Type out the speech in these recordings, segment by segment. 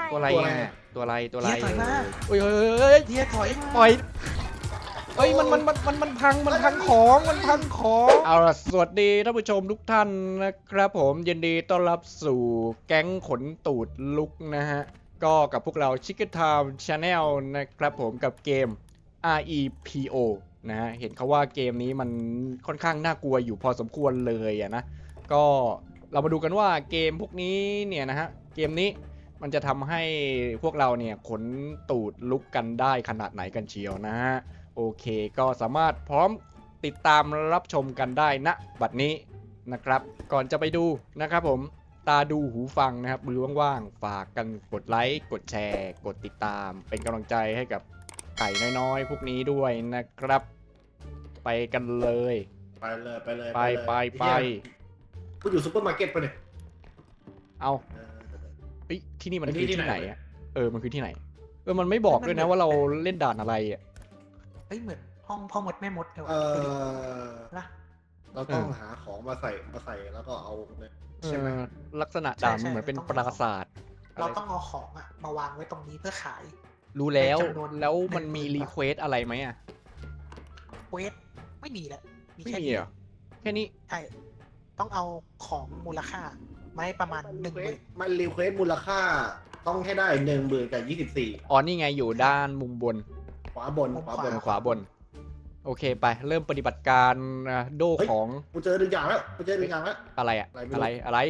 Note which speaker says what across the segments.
Speaker 1: ตัวอะไรไงตัวอะไรตัวอะไร
Speaker 2: เฮียถอยมา
Speaker 1: เฮ้ยเฮ้ย
Speaker 2: เฮียถอยมา
Speaker 1: ปล่อยเฮ้ยมันพังของมันพังของเอาล่ะสวัสดีท่านผู้ชมทุกท่านนะครับผมยินดีต้อนรับสู่แก๊งขนตูดลุกนะฮะก็กับพวกเรา Chicken Time Channel นะครับผมกับเกม REPO นะฮะเห็นเขาว่าเกมนี้มันค่อนข้างน่ากลัวอยู่พอสมควรเลยอะนะก็เรามาดูกันว่าเกมพวกนี้เนี่ยนะฮะเกมนี้มันจะทำให้พวกเราเนี่ยขนตูดลุกกันได้ขนาดไหนกันเชียวนะฮะโอเคก็สามารถพร้อมติดตามรับชมกันได้ณบัดนี้นะครับก่อนจะไปดูนะครับผมตาดูหูฟังนะครับมือว่างๆฝากกันกดไลค์กดแชร์กดติดตามเป็นกำลังใจให้กับไก่น้อยๆพวกนี้ด้วยนะครับไปกันเลย
Speaker 3: ไปเลยไปเลย
Speaker 1: ไป
Speaker 3: กูอยู่ซุปเปอร์มาร์เก็ตปะเนี่ย
Speaker 1: เอาเฮ้ยที่นี่มันคือที่ไหนอ่ะมันคือที่ไหนมันไม่บอกด้วยนะว่าเราเล่นด่านอะไรอ่ะ
Speaker 2: เฮ้ยเหมือนห้องพ่อมดแม่มดเลยวะนะ
Speaker 3: เราต้องหาของมาใส่แล้วก็เอาเนี่ยใช่ไหม
Speaker 1: ลักษณะด่านมันเหมือนเป็นปราสาท
Speaker 2: เราต้องเอาของอะมาวางไว้ตรงนี้เพื่อขาย
Speaker 1: รู้แล้ว
Speaker 2: เป็นจำนวน
Speaker 1: แล้วมัน
Speaker 2: 10,000
Speaker 1: มีรีเควสอะไรไหมอ่ะ
Speaker 2: เวทไม่มีแหละมี
Speaker 1: ไม่
Speaker 2: แค่
Speaker 1: มี
Speaker 2: นี้
Speaker 1: เหรอแค่นี้
Speaker 2: ใช่ต้องเอาของมูลค่ามาให้ประมาณ10,000
Speaker 3: มันรีเควสมูลค่าต้องให้ได้10,000กับ24
Speaker 1: อ๋อนี่ไงอยู่ด้านมุมบน
Speaker 3: ขวาบน
Speaker 1: ขวาบนโอเคไปเริ่มปฏิบัติการโดของ
Speaker 3: กูเจอหนึ่งอย่างแล้ว
Speaker 1: อะไรอะ
Speaker 3: อะไร
Speaker 1: อะไร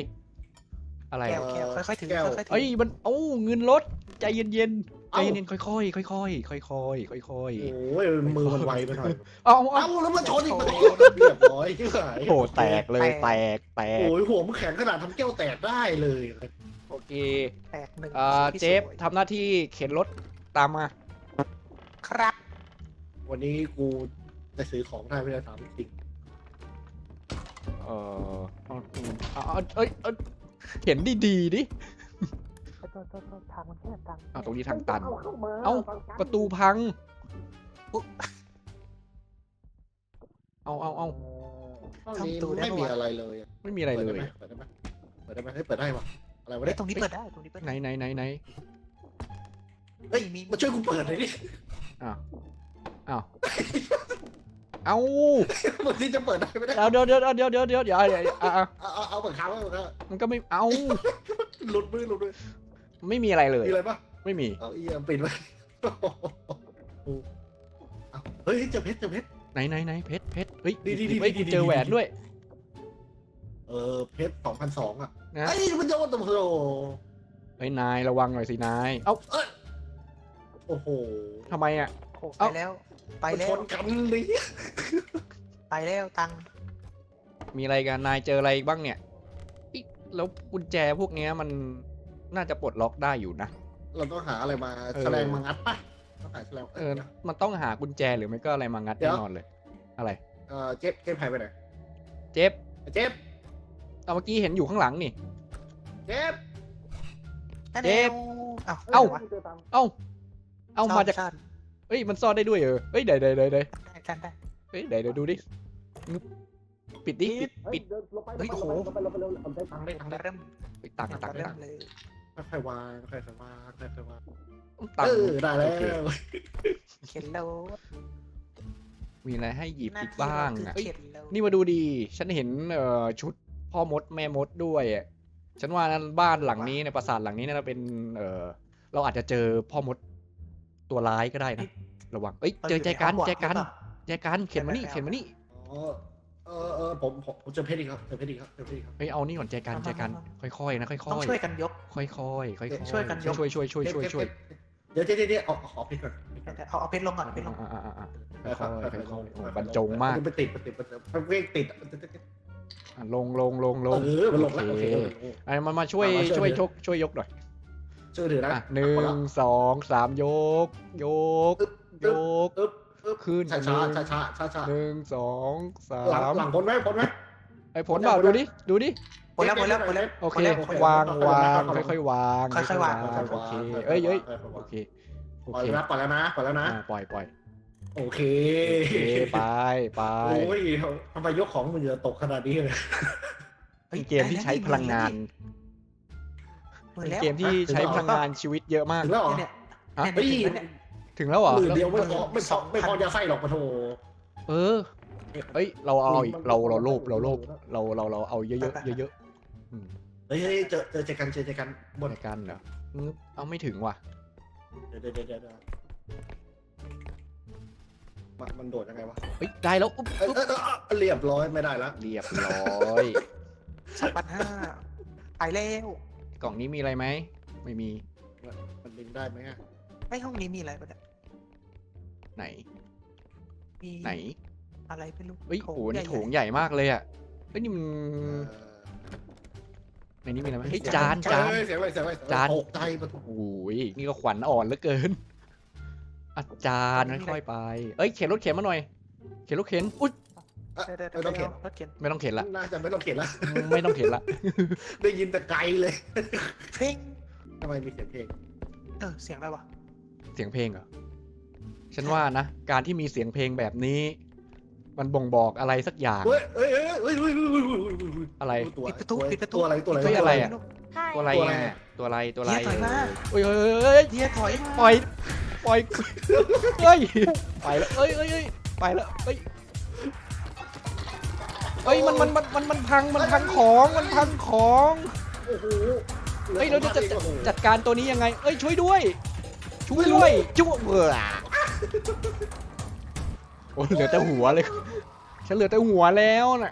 Speaker 2: แก้ว
Speaker 1: อะ
Speaker 2: แก้วค่อยๆถือ
Speaker 3: แก้ว
Speaker 2: ค่อยๆถื
Speaker 1: เอ้ยมันเงินลดใจเย็นๆใจเย็นๆค่อยๆค่อยๆค่อยๆ
Speaker 3: โอ้ยมือมันไวไปหน่อย
Speaker 1: เอา
Speaker 3: เอ้าแล้วมันชนอีกมันเรียบร้อยที่ไหน
Speaker 1: โอ้แตกเลยแตก
Speaker 3: โอ้ยหัวมันแข็งขนาดทำแก้วแตกได้เลย
Speaker 1: โอเค
Speaker 2: แตกหนึ่ง
Speaker 1: เจฟทำหน้าที่เข็นรถตามมา
Speaker 2: ครับ
Speaker 3: วันนี้กูจะซื้อของได้ไม่ได้ถามจริง
Speaker 1: เข็นดีๆดิ
Speaker 2: ทางมันแคบจัง
Speaker 1: ตรงนี้ทางตันเอ้าประตูพังเอา
Speaker 3: ห้องนี้ไม่มีอะไรเลย
Speaker 1: ไม่มีอะไรเลย
Speaker 3: เปิดได้ไหมเปิดได้ปะอะไรวะ
Speaker 2: เฮ้
Speaker 3: เนี่ย ย
Speaker 2: ตรงนี้เปิดได้ตรงนี้เปิด
Speaker 1: ไหน
Speaker 2: ได้
Speaker 3: เฮ้ยมาช่วยกูเปิดหน่อยดิ
Speaker 1: อ้าวเอา
Speaker 3: มันที่จะเปิดได้ไม่ได้
Speaker 1: เดี๋ยว
Speaker 3: เอาเปิดค้างไว้
Speaker 1: มันก็ไม่เอา
Speaker 3: หลุดมือ
Speaker 1: ไม่มีอะไรเลย
Speaker 3: มีอะไรปะ
Speaker 1: ไม่มี
Speaker 3: เอาอีปิดไว้เฮ้ยเจอเพชร
Speaker 1: ไหนเพชรเฮ้ย
Speaker 3: ดี
Speaker 1: เจอแหวนด้วย
Speaker 3: เพชร2,200อ่ะ
Speaker 1: นะ
Speaker 3: ไอ้มันโยนตัวโ
Speaker 1: เฮ้ยนายระวังหน่อยสินายเอ้า
Speaker 3: อ้โห
Speaker 1: ทำไมอ่ะ
Speaker 2: ไปแล้วไปแล้
Speaker 3: ช
Speaker 2: วน
Speaker 3: กันเลย
Speaker 2: ไปแล้วตัง
Speaker 1: มีอะไรกันนายเจออะไรบ้างเนี่ยอิ๊ะแล้วกุญแจพวกเนี้ยมันน่าจะปลดล็อกได้อยู่นะ
Speaker 3: เราต้องหาอะไรมาแฉลงมางัดปะต้องหาแฉลง
Speaker 1: มันต้องหากุญแจหรือไม่ก็อะไรมางัดแน่นอนเลย อะไร
Speaker 3: เจ๊หายไปไหน
Speaker 1: เจฟ
Speaker 3: เจ๊
Speaker 1: เอาเมื่อกี้เห็นอยู่ข้างหลังนี่
Speaker 3: เจ๊
Speaker 2: เดฟ
Speaker 1: เอ้ามาจากเฮ้ยมันซ่อนได้ด้วยเฮ้ยเดี๋ยว
Speaker 2: ได้
Speaker 1: เฮ้ยเดี๋ยวดูดิงึบปิดดิปิด
Speaker 2: เฮ้ยโอ้โห
Speaker 3: ได้ตังค์
Speaker 2: เริ่ม
Speaker 1: ปิดตังค์
Speaker 2: เริ่มเลย
Speaker 3: ค่อยๆวาง
Speaker 1: ตัง
Speaker 3: ได้แล้ว
Speaker 2: เข็นแล้ว
Speaker 1: มีอะไรให้หยิบอีกบ้างอ่ะ
Speaker 2: เข็นแล้ว
Speaker 1: นี่มาดูดีฉันเห็นชุดพ่อมดแม่มดด้วยอ่ะฉันว่านั้นบ้านหลังนี้ในปราสาทหลังนี้น่าจะเป็นเราอาจจะเจอพ่อมดตัวร้ายก็ได้นะระวังเอ้ยเจอแจกันเข็นมานี่
Speaker 3: ผมเจอเพชรอีกครับเจอเพชรอีกครับ
Speaker 1: เฮ้ยเอานี่ก่อนแจกันค่อยๆนะค่อยๆ
Speaker 2: ต้องช่วยกันยก
Speaker 1: ค่อยๆ
Speaker 2: ช่วยกันยก
Speaker 1: ช่วย
Speaker 3: เดี๋ยวเอาเพชรก่อน
Speaker 2: เอาเพชรลงก่อนเพชรลง
Speaker 1: ค่อยๆบรรจงมาก
Speaker 3: ไปติดเวกติด
Speaker 1: ลง
Speaker 3: มันลงแล้วโอเค
Speaker 1: ไอ้มาช่วยยกหน่อย
Speaker 3: ช่วยถือนะ
Speaker 1: 1 2 3ยกขึ้น
Speaker 3: ช้า
Speaker 1: 1 2
Speaker 3: หลัง
Speaker 1: 3
Speaker 3: พ้นไหม
Speaker 1: ไอ้ผลเปล่าดูดิ
Speaker 2: หมดแล้ว
Speaker 1: โอเควางค่อยๆวางโอเคเอ้ยโอเค
Speaker 3: ปล่อยแล้วนะปล่อยโอเค
Speaker 1: ไป
Speaker 3: โอ้ยทำไมยกของมันเยอะตกขนาดนี้เลย
Speaker 1: เกมที่ใช้พลังงาน
Speaker 2: มือ
Speaker 1: เป็น
Speaker 2: แล้ว
Speaker 1: เกมที่ใช้พลังงานชีวิตเยอะมาก
Speaker 3: ถึงแล้วเหรอ
Speaker 2: เนี่ย
Speaker 1: ฮะ
Speaker 2: เนี่ย
Speaker 3: เฮ้ย
Speaker 2: เนี่ย
Speaker 1: ถึงแล้วเหรอ
Speaker 3: หมื่นเดียวไม่พอไม่พอ
Speaker 2: 2,000
Speaker 3: ไม่พอยาไส้หรอกปะโถ
Speaker 1: เออเอ้ยเราเอาอีกเราโลภเราเอาเยอะๆเยอะๆอืม
Speaker 3: เฮ้ยเจอกันบน
Speaker 1: ในกันเหรอเอาไม่ถึงว่ะ
Speaker 3: เดี๋ยวมันโดดยังไงวะ
Speaker 1: เฮ้ยได้แล้วอุ๊บ
Speaker 3: เรียบร้อยไม่ได้ละ
Speaker 1: เรียบร้อย
Speaker 2: 2,500ไปแล้ว
Speaker 1: กล่องนี้มีอะไรไหมไม่มี
Speaker 3: มันดึงได้ไหมอะ
Speaker 2: ไอ้ห้องนี้มีอะไรปะเนี่ย
Speaker 1: ไหน
Speaker 2: มี
Speaker 1: ไหน
Speaker 2: อะไรไม่รู้
Speaker 1: เฮ้ยโอ้โหนี่โถง
Speaker 2: ใหญ่
Speaker 1: ใหญ่มากเลยอ่ะเฮ้ยนี่มันในนี้มีอะไรไหมเฮ้ยจาน
Speaker 3: เสียงอะไร
Speaker 1: จาน
Speaker 3: ตกใจปะโถ
Speaker 1: โอ้ยนี่ก็ขวัญอ่อนเหลือเกินอาจารย์ค่อยๆไปเอ้ยเข็นรถเข็นมาหน่อยเข็นรถเข็นอุ๊ย
Speaker 2: เดี๋ยว
Speaker 3: ไม่ต้องเข็น
Speaker 2: รถเข็น
Speaker 1: ไม่ต้องเข็นละ
Speaker 3: น่าจะไม่ต้องเข็นละ
Speaker 1: ไม่ต้องเข็นละ
Speaker 3: ได้ยินแต่ไกลเลย
Speaker 2: เพลง
Speaker 3: ทำไมมีเสียงเพลง
Speaker 2: เสียงอะไรวะ
Speaker 1: เสียงเพลงเหรอฉันว่านะการที่มีเสียงเพลงแบบนี้ มันบ่งบอกอะไรสักอย่าง
Speaker 3: เฮ้ย
Speaker 1: อะไร
Speaker 3: ตัว
Speaker 2: ปิดประตู
Speaker 3: ตัวอะไรตัวอะไร
Speaker 1: เฮ้ยอะไรอะ ตัวอะไร
Speaker 3: ตัวอะไร
Speaker 1: อ่ะตัวอะไรตัวอะไร
Speaker 2: เฮียถอยมา
Speaker 1: เฮ้ยเฮ้ย
Speaker 2: เฮียถอย
Speaker 1: ปล่อยเฮ้ยไปแล้วเอ้ยไปแล้วเฮ้ยเฮ้ยมันพังของมันพังของ
Speaker 3: โอ้โห
Speaker 1: เฮ้ยเราจะจัดการตัวนี้ยังไงเอ้ยช่วยด้วยจุ๊บเบื่อโอ้เหลือแต่หัวเลยฉันเหลือแต่หัวแล้วน่ะ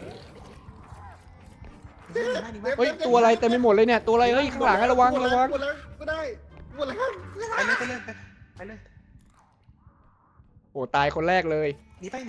Speaker 1: เฮ้ยตัวอะไรเต็มไปหมดเลยเนี่ยตัวอะไรเฮ้ยข้างหลังระวัง
Speaker 3: ไม่ได้หมดแล้ว
Speaker 2: ไปเลย
Speaker 1: โอ้ตายคนแรกเลย
Speaker 2: หนีไป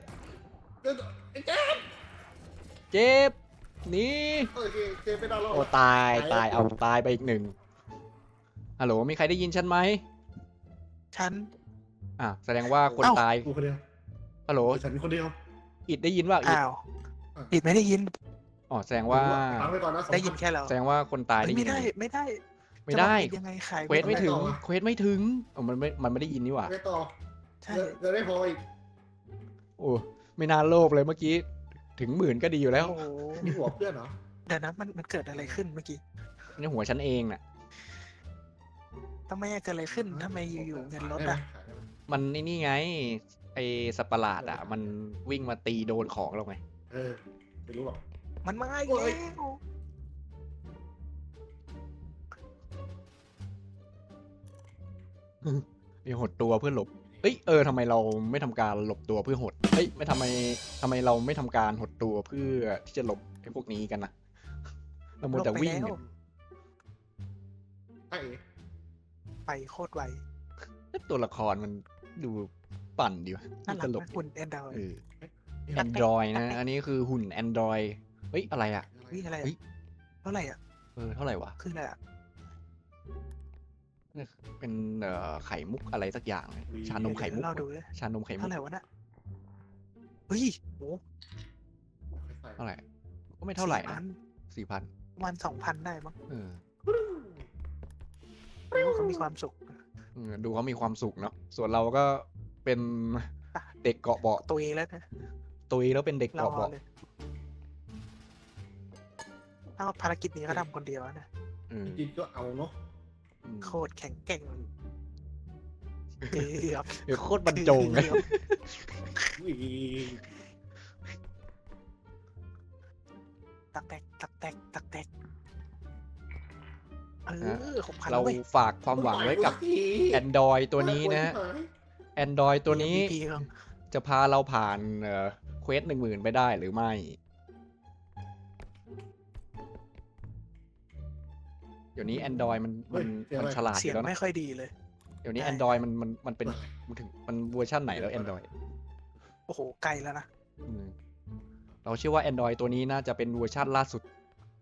Speaker 1: เจ็บหนี
Speaker 3: โอเคเจไปดาวน์โหล
Speaker 1: โอ้
Speaker 3: ด
Speaker 1: ตายเอาตายไปอีกหนึ่งฮัลโหลมีใครได้ยินฉันไหม
Speaker 2: ฉัน
Speaker 1: แสดงว่าคนตาย
Speaker 3: กูคนเดียว
Speaker 1: ฮัลโหล
Speaker 3: ฉันคนเดียว
Speaker 1: อิดได้ยินว่าอิด
Speaker 2: อ้าวปิดไม่ได้ยิน
Speaker 1: อ๋อแสดงว่า
Speaker 3: ฟังไปก่อนนะ
Speaker 2: ได้ยินแค่เรา
Speaker 1: แสดงว่าคนตายได้ยิ
Speaker 2: ไม่
Speaker 1: น
Speaker 2: ได้
Speaker 1: ไม่ได้
Speaker 2: จะบอกยังไงขาย
Speaker 1: เควสไม่ถึงเควสไม่ถึงมันไม่ได้ยินนี่หว่า
Speaker 3: ไปต่อ
Speaker 2: ใช่
Speaker 3: จะได้พออีก
Speaker 1: โอ้ไม่น่าโลภเลยเมื่อกี้ถึง10,000ก็ดีอยู่แล้ว
Speaker 2: โอ้โห
Speaker 3: มีหัวเพื่อนเหรอ
Speaker 2: เดี๋ยวนะมันเกิดอะไรขึ้นเมื่อกี้
Speaker 1: นี่หัวฉันเองน่ะ
Speaker 2: ทำไมเกิดอะไรขึ้นทำไมอยู่ๆเงินลด
Speaker 3: ได้ไหม
Speaker 2: อ่ะ
Speaker 1: มันนี่ไงไอสัตว์ประหลาดอ่ะมันวิ่งมาตีโดนของเราไง
Speaker 3: ไม่รู้หรอก
Speaker 2: มันมาอีก
Speaker 3: โอ้
Speaker 2: แล้
Speaker 3: ย
Speaker 2: ว
Speaker 1: มีหดตัวเพื่อหลบเอ้ยทำไมเราไม่ทำการหลบตัวเพื่อหดเอ้ยไม่ทำไมเราไม่ทำการหดตัวเพื่อที่จะหลบไอ้พวกนี้กันนะเราหมดแต่วิ่ง
Speaker 2: ล
Speaker 1: เนี่ย
Speaker 3: ไอ้
Speaker 2: ไปโคตรไว
Speaker 1: ตัวละครมันดูปั่นดีวะ
Speaker 2: น่ารั
Speaker 1: ต
Speaker 2: ก
Speaker 1: ลก
Speaker 2: นะคุณแอนดาว
Speaker 1: Android นะ อันนี้คือหุ่น Android เฮ้ยอะไรอ่ะ
Speaker 2: วิ่งอะไร
Speaker 1: เฮ้ย
Speaker 2: เท่าไหร่อ่ะ
Speaker 1: เท่าไหร่วะ
Speaker 2: คืออะไรอ่ะ
Speaker 1: เป็นไข่มุกอะไรสักอย่าง ชานมไข่มุก
Speaker 2: เราดูเลย
Speaker 1: ชานมไข่มุ
Speaker 2: เท่าก ไหร่วะน่ะเฮ้ยโห
Speaker 1: เท่าไหร่ก็ไม่เท่าไหร่นะ 4,000
Speaker 2: ประมาณ2,000ได้มั้ง
Speaker 1: เออ
Speaker 2: เขามีความสุข
Speaker 1: ดูเขามีความสุขเนาะส่วนเราก็เป็นเด็กเกาะเบาะ
Speaker 2: ตัวเองแล้วนะ
Speaker 1: ตุยแล้วเป็นเด็ก
Speaker 2: เรา
Speaker 1: เกาะเบาะ
Speaker 2: เลยถ้าภารกิจนี้เขาทำคนเดียวนะ
Speaker 1: เออ
Speaker 3: จิตก็เอาเนาะ
Speaker 2: โคตรแข็งแกร่งเกือบ
Speaker 1: เดี๋ยวโคตรบรรจงเลย
Speaker 2: ตักแตก6,000
Speaker 1: เรา
Speaker 2: เว้ย
Speaker 1: ฝากความหวังไว้กับ Android ตัวนี้นะ Android ตัวนี้
Speaker 2: MVP ครับ
Speaker 1: จะพาเราผ่านเควส10,000ไปได้หรือไม่ เดี๋ยวนี้ Android มันฉลาดอ
Speaker 2: เสีย
Speaker 1: ยู่
Speaker 2: ง
Speaker 1: แล้ว
Speaker 2: ไม่
Speaker 1: นะ
Speaker 2: ค่อยดีเลย
Speaker 1: เดี๋ยวนี้
Speaker 2: ใช่
Speaker 1: Android มันเป็นมันเวอร์ชันไหนแล้ว Android
Speaker 2: โอ้โหไกลแล้วนะ
Speaker 1: อืมเราเชื่อว่า Android ตัวนี้น่าจะเป็นเวอร์ชันล่าสุด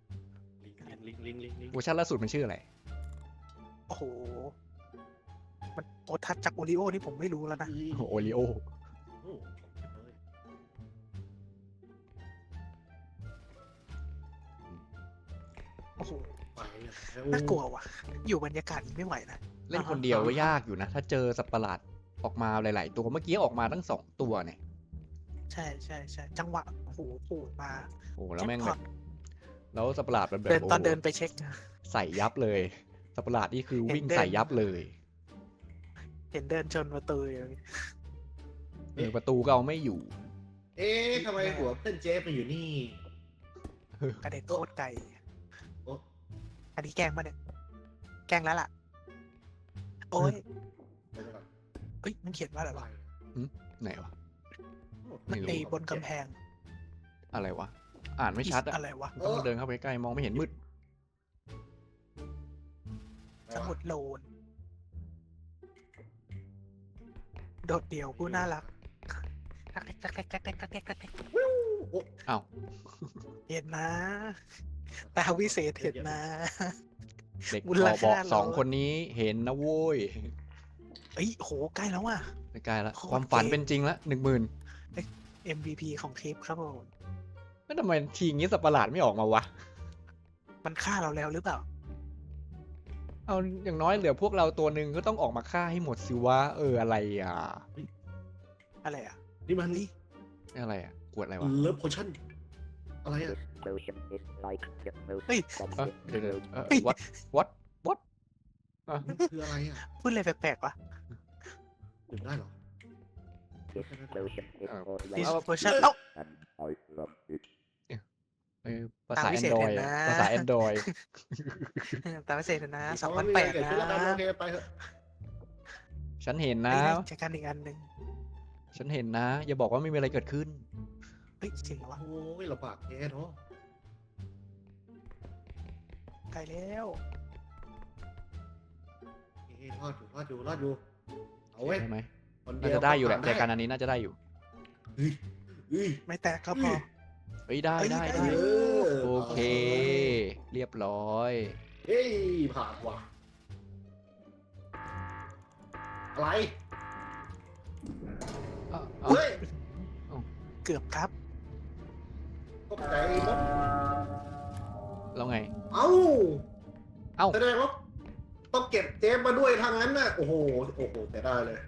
Speaker 1: เวอร์ชันล่าสุดมันชื่ออะไร
Speaker 2: โอ้โหมันโอทัศจากโอริโอนี่ผมไม่รู้แล้วนะ
Speaker 1: โอริโอ
Speaker 2: โอ้โหน่ากลัวว่ะ อยู่บรรยากาศนี้ไม่ไหวนะ
Speaker 1: เล่นคนเดียวก็ยากอยู่นะ ถ้าเจอสัตว์ประหลาดออกมาหลาย ๆ ตัวเมื่อกี้ออกมาทั้ง2 ตัวเนี่ย
Speaker 2: ใช่จังหวะโอ้โหปูดมา
Speaker 1: โอ้แล้วแม่ง
Speaker 2: จ็
Speaker 1: แบ
Speaker 2: คพอบ ต
Speaker 1: แล้วสัตว์ประหลาดมันแบบ
Speaker 2: เดินตอน
Speaker 1: โโห
Speaker 2: เดินไปเช็ค
Speaker 1: ใส่ยับเลยสัตว์ประหลาดนี่คือ
Speaker 2: เห็น
Speaker 1: วิ่ง
Speaker 2: เดิน
Speaker 1: ใส่ยับเลย
Speaker 2: เห็นเดินชนประตูอยู่
Speaker 1: ประตูก็เอาไม่อยู่
Speaker 3: เอ๊ะทำไมหัวเพื่อนเจฟมาอยู่นี่
Speaker 2: กระเด็นโคตรไกล
Speaker 3: โอ๊ะ
Speaker 2: อันนี้แกล้งปะเนี่ย แกล้งแล้วล่ะ โอ้ย
Speaker 3: เดี๋ยวก่อน
Speaker 2: เอ้ยมันเขียนว่าอะไร
Speaker 3: อะไร
Speaker 2: วะ
Speaker 1: ไหนวะ
Speaker 3: โอ้
Speaker 1: ไม่รู้
Speaker 2: ไอ้บนกำแพง
Speaker 1: อะไรวะ อ่านไม่ชัดอะ
Speaker 2: อะไรวะ
Speaker 1: ต้องเดินเข้าไปใกล้มองไม่เห็นมืด
Speaker 2: สมุดโลน โดดเดี่ยวผู้น่ารักตักเล็กตักเล็กตักเล็กตักเล็กตักเล็ก
Speaker 1: อ้าว
Speaker 2: เห็นนะตาวิเศษเห็นนะ
Speaker 1: เด็ก
Speaker 2: มู
Speaker 1: บ
Speaker 2: ล
Speaker 1: อก
Speaker 2: ค่า
Speaker 1: สอง
Speaker 2: เรา
Speaker 1: คนนี้เห็นนะโว้ย
Speaker 2: เอ้ยโหใกล้แล้วว่ะ
Speaker 1: ใกล้ละ
Speaker 2: โคตร
Speaker 1: ความฝัน
Speaker 2: เก่ง
Speaker 1: เป็นจริงละ10,000
Speaker 2: MVP ของคลิปครับผม
Speaker 1: แล้วทำไมทีงี้สัตว์ประหลาดไม่ออกมาวะ
Speaker 2: มันฆ่าเราแล้วหรือเปล่า
Speaker 1: เอาอย่างน้อยเหลือพวกเราตัวหนึ่งก็ต้องออกมาฆ่าให้หมดสิวะอะไรอ่ะ
Speaker 2: อะไรอ่ะ
Speaker 3: นี่มัน
Speaker 1: อะไรอ่ะกวดอะไรวะ
Speaker 3: เลิฟโพชั่นอะไรอ่ะ
Speaker 4: Motion is like the most
Speaker 2: เฮ้ย
Speaker 1: เดี๋ยว
Speaker 2: เฮ้ย
Speaker 1: what
Speaker 3: มันคืออะไรอ่ะ
Speaker 2: พูดอะไรแปลกๆวะ
Speaker 3: ดื่มได้เหรอ
Speaker 4: this motion is for
Speaker 2: This
Speaker 4: life
Speaker 2: version เอ้า
Speaker 4: and I love it.
Speaker 1: ภาษา
Speaker 2: ตามวิเศษ
Speaker 1: Android
Speaker 2: เห็นนะ
Speaker 1: ภาษา Android
Speaker 2: ตามพิเศษนะ
Speaker 3: เอา
Speaker 2: 2008
Speaker 3: เกิด
Speaker 2: นะ
Speaker 3: ขึ้นแล้วกันโอเคไปเถอะ
Speaker 1: ฉันเห็นนะ
Speaker 2: เฮ้ยได้จากการอีกอันหนึ่ง
Speaker 1: ฉันเห็นนะ อย่าบอกว่าไม่มีอะไรเกิดขึ้น
Speaker 2: เฮ้ยจริงเหรอวะ
Speaker 3: โอ้ยลำบากแย่เนาะ
Speaker 2: ไกลแล้ว
Speaker 3: เอ้ยรอดอยู่เอาเว้ย
Speaker 1: ใช่ไหม
Speaker 3: คน
Speaker 1: น่า
Speaker 3: เดียว
Speaker 1: จะได้อยู่แหละ
Speaker 3: ผ่
Speaker 1: แต่การอันนี้น่าจะได้อยู่
Speaker 3: เฮ้ยเฮ้ย
Speaker 2: ไม่แตกก็พอ
Speaker 1: เฮ้ยได้
Speaker 2: เอ้ย
Speaker 1: ได้
Speaker 2: ได้
Speaker 1: ได้
Speaker 2: อยู่
Speaker 1: โอเค เรียบร้อย
Speaker 3: เฮ้ยผ่านว่ะอะไร
Speaker 1: เอ้า
Speaker 3: เฮ้ย
Speaker 2: เกือบครับ
Speaker 3: ตกใจหมด
Speaker 1: แล้วไง
Speaker 3: เอ้า
Speaker 1: เอ้า
Speaker 3: แสดงว่าต้องเก็บเจฟมาด้วยทางนั้นน่ะโอ้โหแต่ได้เลย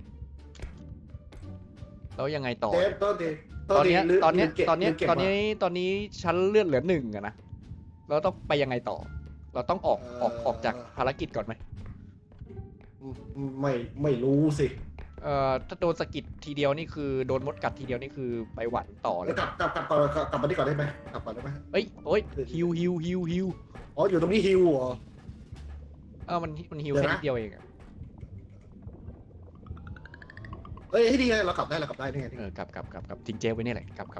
Speaker 1: แล้วยังไงต่อ
Speaker 3: เจฟต้นที
Speaker 1: ตอนเนี้ย
Speaker 3: ลืม
Speaker 1: ตอนเนี้ย
Speaker 3: ลืมเก็บ
Speaker 1: ตอนเนี้ย
Speaker 3: ลืมเก็บ
Speaker 1: ตอนนี้
Speaker 3: มา
Speaker 1: ตอนนี้ฉันเลือดเหลือ1อะนะเราต้องไปยังไงต่อ เราต้องออกจากภารกิจก่อนไหม
Speaker 3: ไม่รู้สิ
Speaker 1: ถ้าโดนสะกิดทีเดียวนี่คือโดนมดกัดทีเดียวนี่คือไปหวันต่อเล
Speaker 3: แล้
Speaker 1: ยว
Speaker 3: กลับมาที่ก่อนได้ไหมกลับก่อนได้ไหม
Speaker 1: เอ้ยโอ้ยฮิว
Speaker 3: อ๋ออยู่ตรงนี้ฮิวเหรอ
Speaker 1: มันฮิว
Speaker 3: เดี๋
Speaker 1: แค่
Speaker 3: ยวนะ
Speaker 1: นิดเดียวเองอะ
Speaker 3: เอ้ยดีไงเรากลับได้นี่ไง
Speaker 1: กลับทิ้งเจลไว้นี่แหละกลับ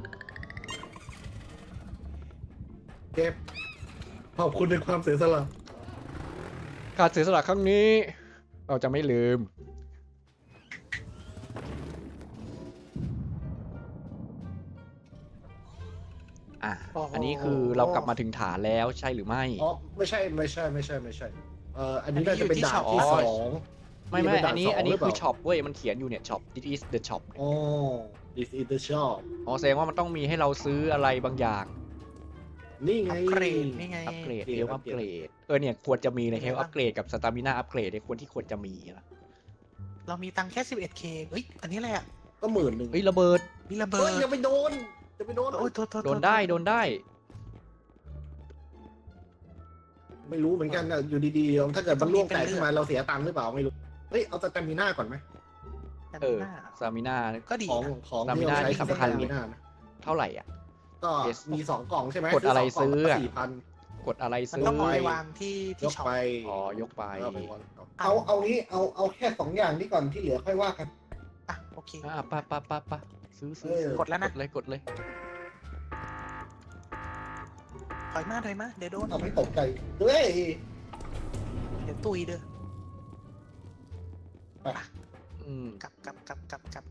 Speaker 3: เจฟขอบคุณในความเสียสละ
Speaker 1: การเสียสละครั้งนี้ เราจะไม่ลืม อันนี้คือเรากลับมาถึงฐานแล้วใช่หรือไม่
Speaker 3: อ๋อไม่ใช่อันนี้น่าจะเป็นดาบที่สอง
Speaker 1: ไม่
Speaker 3: นี่เป็นด่าน
Speaker 1: อันนี้
Speaker 3: สอง
Speaker 1: อันนี้
Speaker 3: หรือเป
Speaker 1: คื
Speaker 3: ล่า
Speaker 1: อช็อปเว้ยมันเขียนอยู่เนี่ย ช็อป this is the shop
Speaker 3: อ๋อ this is the shop
Speaker 1: อ๋อแสดงว่ามันต้องมีให้เราซื้ออะไรบางอย่าง
Speaker 3: นี่ไง
Speaker 2: อัปเกรดนี่ไง
Speaker 1: อัปเกรด
Speaker 3: เกรด
Speaker 1: เฮล
Speaker 3: อั
Speaker 1: อั
Speaker 3: ป
Speaker 1: ป
Speaker 3: เก
Speaker 1: เก
Speaker 3: ร
Speaker 1: ร
Speaker 3: ด
Speaker 1: ดเนี่ยควรจะมีในเฮลอัปเกรดกับสตามินาอัปเกรดในควรที่ควรจะมีนะ
Speaker 2: เรามีตังค์แค่ 11K เฮ้ย อันนี้อะไรอ่ะ
Speaker 3: ก็10,000
Speaker 1: เฮ้ยระเบิด
Speaker 2: มีระเบิ
Speaker 3: เฮ้
Speaker 2: ด
Speaker 3: ยอย่าไปโดน
Speaker 2: โอ้ยโทษ
Speaker 1: โดนได้
Speaker 3: ไม่รู้เหมือนกันนะอยู่ดีๆถ้าเกิดมันล่วงแตกขึ้นมาเราเสียตังค์หรือเปล่าไม่รู้เฮ้ยเอาสแตมิน่าก่อนไหม
Speaker 2: แต่
Speaker 1: เออ
Speaker 2: หน้า
Speaker 1: สตามินา
Speaker 2: ก็ดี
Speaker 3: ของ
Speaker 2: นะ
Speaker 3: ของ
Speaker 1: สตามิ
Speaker 3: ที่
Speaker 1: น่า
Speaker 3: เราใช้
Speaker 1: นี่สำคัญ
Speaker 3: สแตมิน่านะ
Speaker 1: เท่าไหร่อ่ะ
Speaker 3: ก็
Speaker 1: Yes
Speaker 3: มี2 กล่องใช่ไหม
Speaker 1: กดอะไร
Speaker 3: สงกล่ง
Speaker 1: ซื้ออะ
Speaker 3: 4,000
Speaker 1: กดอะไร
Speaker 2: มัน
Speaker 1: ซื้อ
Speaker 2: ต้องเอา
Speaker 3: ไป
Speaker 2: ไปวางที่
Speaker 3: ยก
Speaker 2: ช็อป
Speaker 3: ไป
Speaker 1: อ๋อยกไป
Speaker 3: เอานี้เอาแค่2 อย่างนี้ก่อนที่เหลือค่อยว่ากัน
Speaker 2: อ่ะโอเค
Speaker 1: ปะซื้อ
Speaker 3: เออ
Speaker 2: กดแล้วนะ
Speaker 1: กดเลย
Speaker 2: ถอยมาเดี๋ยวโดน
Speaker 3: เอาไม่ตกใจเฮ้ย
Speaker 2: เดี๋ยวตุยเด้อ
Speaker 1: อืม
Speaker 2: กลับ